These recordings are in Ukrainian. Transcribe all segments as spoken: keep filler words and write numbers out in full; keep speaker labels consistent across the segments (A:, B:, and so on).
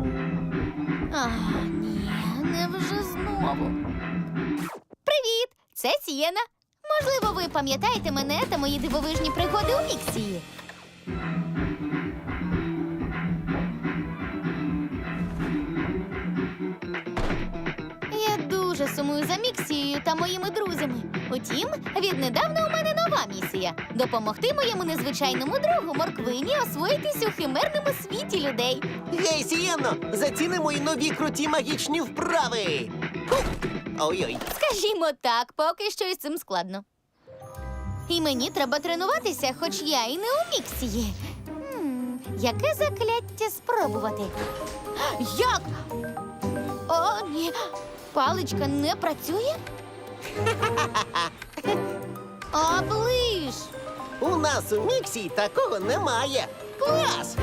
A: А, ні, невже знову. Привіт! Це Сієна. Можливо, ви пам'ятаєте мене та мої дивовижні пригоди у Міксії. Я дуже сумую за Міксією та моїми друзями. Утім, віднедавна у мене нова місія – допомогти моєму незвичайному другу Морквині освоїтись у химерному світі людей.
B: Гей, Сієно, заціни мої нові круті магічні вправи. Хух! Ой-ой.
A: Скажімо так, поки що із цим складно. І мені треба тренуватися, хоч я і не у Міксії. Хм, яке закляття спробувати? Як? О, ні. Паличка не працює? Оближ!
B: У нас у Міксі такого немає. Клас!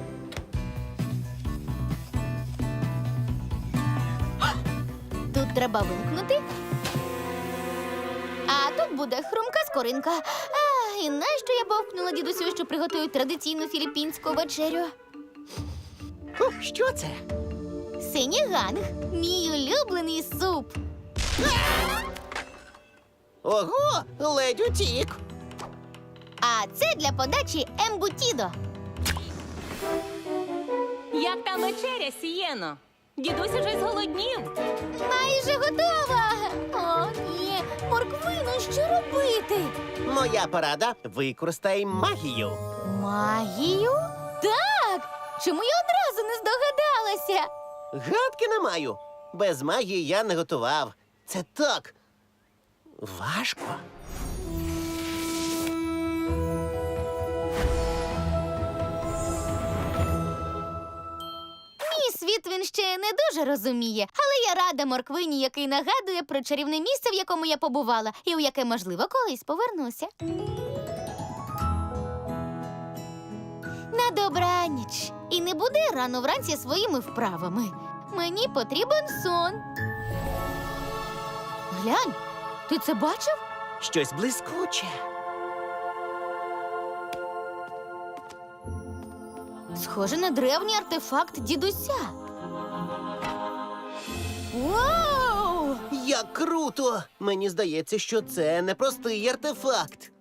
A: Тут треба вимкнути. А тут буде хрумка скоринка. А, і нащо я бовкнула дідусю, що приготують традиційну філіппінську вечерю?
B: Хух, що це?
A: Синіганг – мій улюблений суп.
B: Ого, ледь утік.
A: А це для подачі ембутідо.
C: Як там вечеря, Сієно? Дідусь уже зголоднів.
A: Майже готова. О, ні. Морквино, що робити?
B: Моя порада – використай магію.
A: Магію? Так! Чому я одразу не здогадалася?
B: Гадки не маю. Без магії я не готував. Це так важко.
A: Мій світ він ще не дуже розуміє, але я рада Морквині, який нагадує про чарівне місце, в якому я побувала, і у яке, можливо, колись повернуся. На добраніч. І не буди рано вранці своїми вправами. Мені потрібен сон. Глянь, ти це бачив?
B: Щось блискуче.
A: Схоже на древній артефакт дідуся. Вау!
B: Як круто! Мені здається, що це не простий артефакт.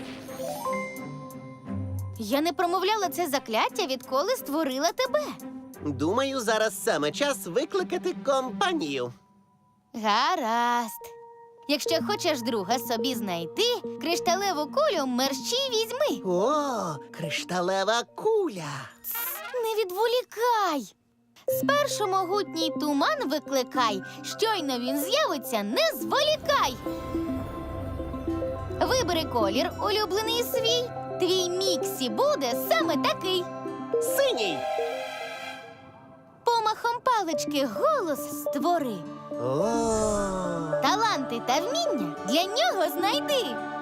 A: Я не промовляла це закляття, відколи створила тебе.
B: Думаю, зараз саме час викликати компанію.
A: Гаразд. Якщо хочеш друга собі знайти, кришталеву кулю мерщій візьми.
B: О, кришталева куля.
A: Не відволікай. Спершу могутній туман викликай. Щойно він з'явиться, не зволікай. Вибери колір, улюблений свій. Твій Міксі буде саме такий.
B: Синій.
A: Помахом палички голос створи.
B: О,
A: Таланти та вміння для нього знайди.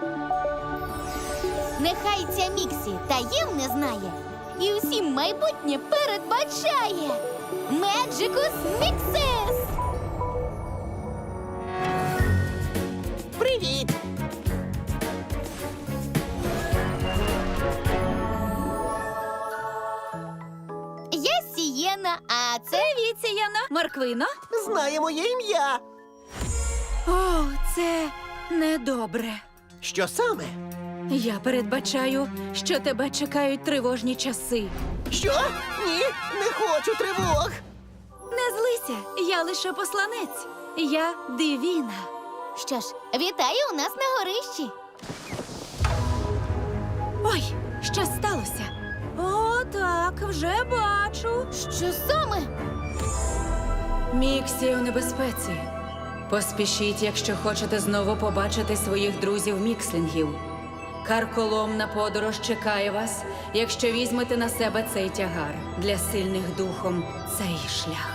A: Нехай ця Міксі таємне знає і усім майбутнє передбачає. Меджикус Міксес!
B: привіт!
A: Я Сієна, а це...
C: Привіт, Сієно. Морквино?
B: Знає моє ім'я.
C: О, це недобре.
B: Що саме?
C: Я передбачаю, що тебе чекають тривожні часи.
B: Що? Ні, не хочу тривог.
C: Не злися, я лише посланець. Я Дивіна.
A: Що ж, вітаю у нас на горищі.
C: Ой, що сталося? О, так, вже бачу.
A: Що саме?
C: Міксі у небезпеці. Поспішіть, якщо хочете знову побачити своїх друзів-мікслінгів. Карколомна подорож чекає вас, якщо візьмете на себе цей тягар. Для сильних духом цей шлях.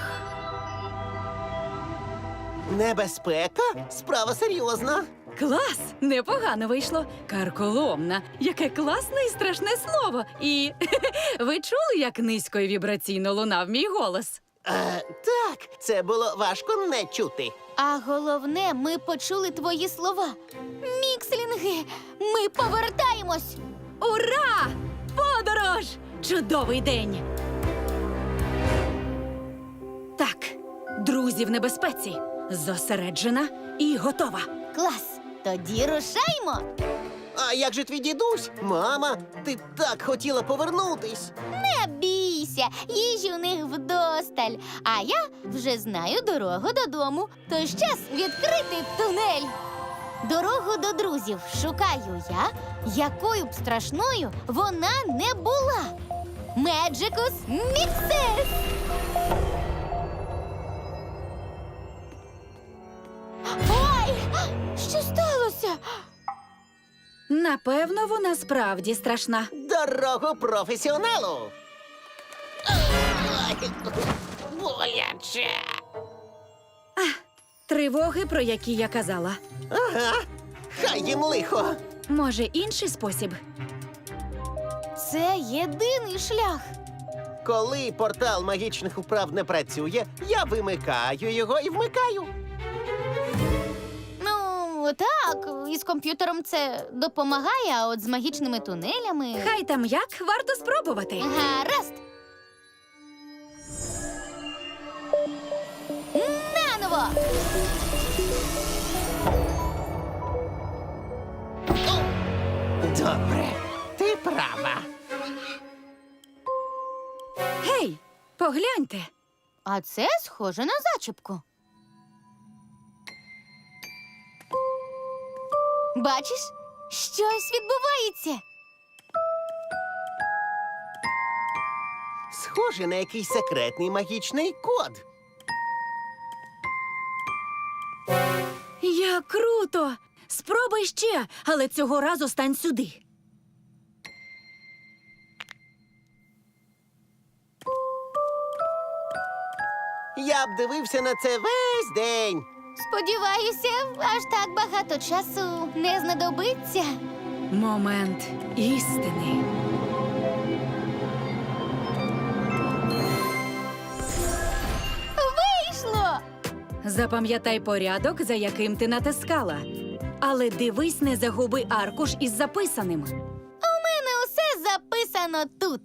B: Небезпека? Справа серйозна.
C: Клас! Непогано вийшло. Карколомна. Яке класне і страшне слово. І ви чули, як низько і вібраційно лунав мій голос?
B: Е, так, це було важко не чути.
A: А головне, ми почули твої слова. Мікслінги, ми повертаємось!
C: Ура! Подорож! Чудовий день! Друзі в небезпеці. Зосереджена і готова.
A: Клас! Тоді рушаймо!
B: А як же твій дідусь? Мама, ти так хотіла повернутись.
A: Не бійся, їжі у них вдосталь. А я вже знаю дорогу додому. Тож час відкрити тунель. Дорогу до друзів шукаю я, якою б страшною вона не була. Меджикус Міксес! Ой! Що сталося?
C: Напевно, вона справді страшна.
B: Дорогу професіоналу. Ой, боляче.
C: Тривоги, про які я казала.
B: Ага, хай їм лихо.
C: Може, інший спосіб?
A: Це єдиний шлях.
B: Коли портал магічних управ не працює, я вимикаю його і вмикаю.
A: Ну, так, із комп'ютером це допомагає, а от з магічними тунелями.
C: Хай там як, варто спробувати.
A: Гаразд. Наново.
B: Добре, ти права.
C: Гей, погляньте.
A: А це схоже на зачіпку. Бачиш, щось відбувається.
B: Схоже на якийсь секретний магічний код.
C: Як круто! Спробуй ще, але цього разу стань сюди.
B: Я б дивився на це весь день.
A: Сподіваюся, аж так багато часу не знадобиться.
C: Момент істини.
A: Вийшло!
C: Запам'ятай порядок, за яким ти натискала. Але дивись, не загуби аркуш із записаним.
A: У мене усе записано тут.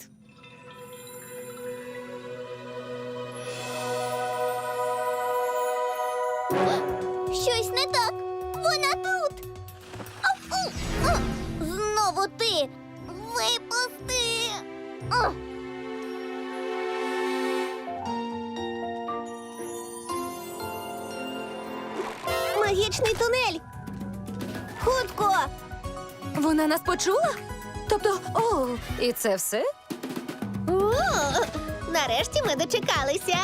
D: Щось не так. Вона тут. Ау! А! Знову ти. Випусти. А! Магічний тунель. Хутко.
A: Вона нас почула? Тобто, о, і це все?
D: О, нарешті ми дочекалися.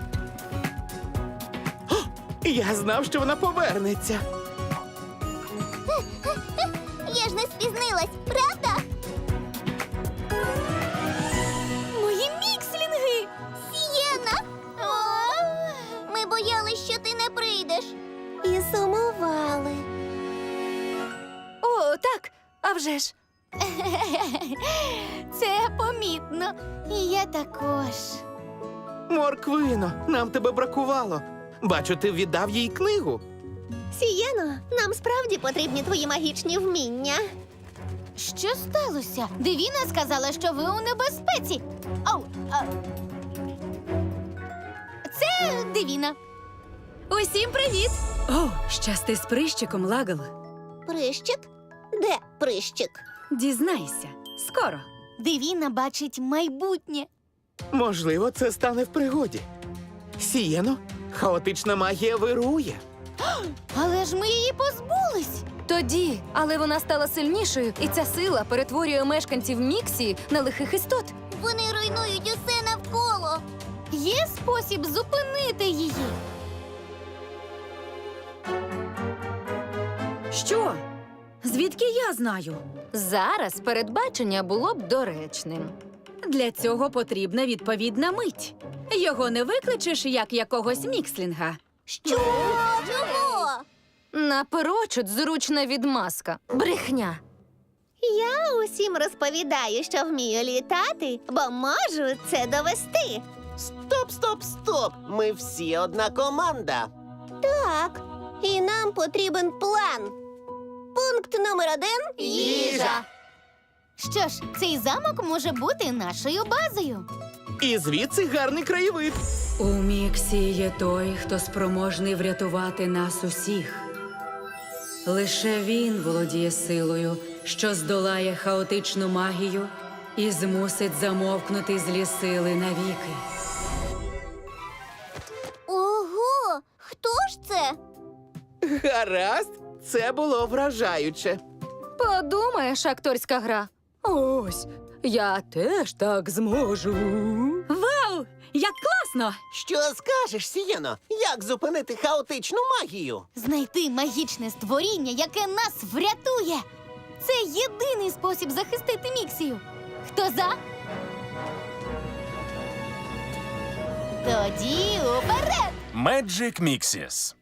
E: Я знав, що вона повернеться.
D: Я ж не спізнилась, правда?
A: Мої мікслінги!
D: Сієна! Ми боялись, що ти не прийдеш. І сумували.
A: О, так, а вже ж. Це помітно. І я також.
E: Морквино, нам тебе бракувало. Бачу, ти віддав їй книгу.
D: Сієно, нам справді потрібні твої магічні вміння.
A: Що сталося? Девіна сказала, що ви у небезпеці. Ау, а... Це Девіна.
C: Усім привіт! О, щасти з прищиком, Лагл.
D: Прищик? Де прищик?
C: Дізнайся. Скоро.
A: Девіна бачить майбутнє.
E: Можливо, це стане в пригоді. Сієно, хаотична магія вирує.
A: Але ж ми її позбулись.
F: Тоді, але вона стала сильнішою, і ця сила перетворює мешканців Міксії на лихих істот.
D: Вони руйнують усе навколо.
A: Є спосіб зупинити її.
C: Що? Звідки я знаю?
F: Зараз передбачення було б доречним.
C: Для цього потрібна відповідна мить. Його не викличеш як якогось мікслінга.
D: Що? Чого?
F: Наперечуд зручна відмазка. Брехня.
D: Я усім розповідаю, що вмію літати, бо можу це довести.
B: Стоп, стоп, стоп! Ми всі одна команда.
D: Так, і нам потрібен план. Пункт номер один.
A: Їжа. Що ж, цей замок може бути нашою базою.
E: І звідси гарний краєвид.
C: У Міксі є той, хто спроможний врятувати нас усіх. Лише він володіє силою, що здолає хаотичну магію і змусить замовкнути злі сили навіки.
A: Ого! Хто ж це?
E: Гаразд, це було вражаюче.
F: Подумаєш, акторська гра. Ось, я теж так зможу.
C: Вау! Як класно!
B: Що скажеш, Сієно? Як зупинити хаотичну магію?
A: Знайти магічне створіння, яке нас врятує. Це єдиний спосіб захистити Міксію. Хто за? Тоді уперед!
G: Magic Mixes.